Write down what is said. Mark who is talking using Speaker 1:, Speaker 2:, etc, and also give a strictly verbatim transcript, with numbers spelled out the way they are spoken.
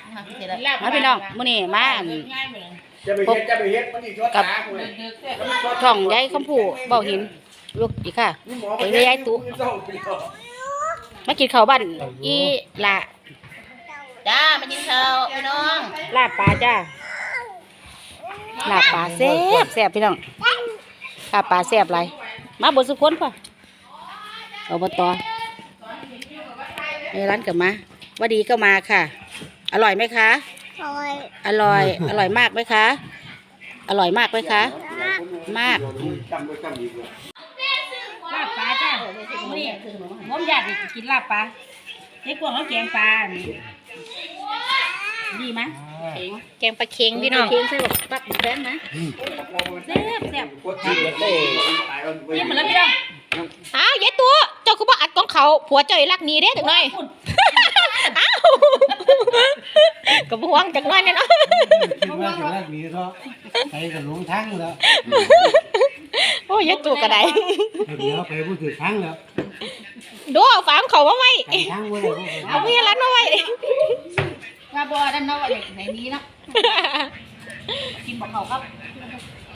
Speaker 1: มาพี่น้องมื้อนี้มาพบกับช่องยายคำพูเบาหินลูกอีกค่ะไปเลยยายตุ๊มากินข้าวบ้านอีละจ้ามากินข้าวพี่น้องลาบปลาจ้าลาบปลาแซ่บแซ่บพี่น้องลาบปลาแซ่บไรมาบนสุขคนป่ะอบตในร้านกับมาว่าดีก็มาค่ะอร่อยไหมคะอร่อยอร่อยอร่อยมากไหมคะอร่อยมากไหมคะมากลาบปลาจ้านี่ง้อมญาติกินลาบปลาไอ้กวางเขาแกงปลาดีไหมแกงปลาเค็งพี่น้องเค็งใส่แบบปักแป้นนะแซ่บแซ่บนี่เหมือนแล้วพี่น้องอ้าวยายตัวเจ้าคือว่าอัดกองเขาผัวเจ้ารักนี้เด้จังเลยอ้าวกับห่วงจังเลยเนี่ยเนาะ
Speaker 2: ว่าจะรักนี้ก็ไปกับหลงทั้งแล้ว
Speaker 1: โอ้ยยายตัวกระได
Speaker 2: เดี๋ยวไปพูดถึงทั้งแล้ว
Speaker 1: ดูเอาฝาเขามาไว้เอาพี่ร้านมาไว้
Speaker 3: ว่าบัวด้านนอกอะไรในนี้เนาะกินบอกเขาครับ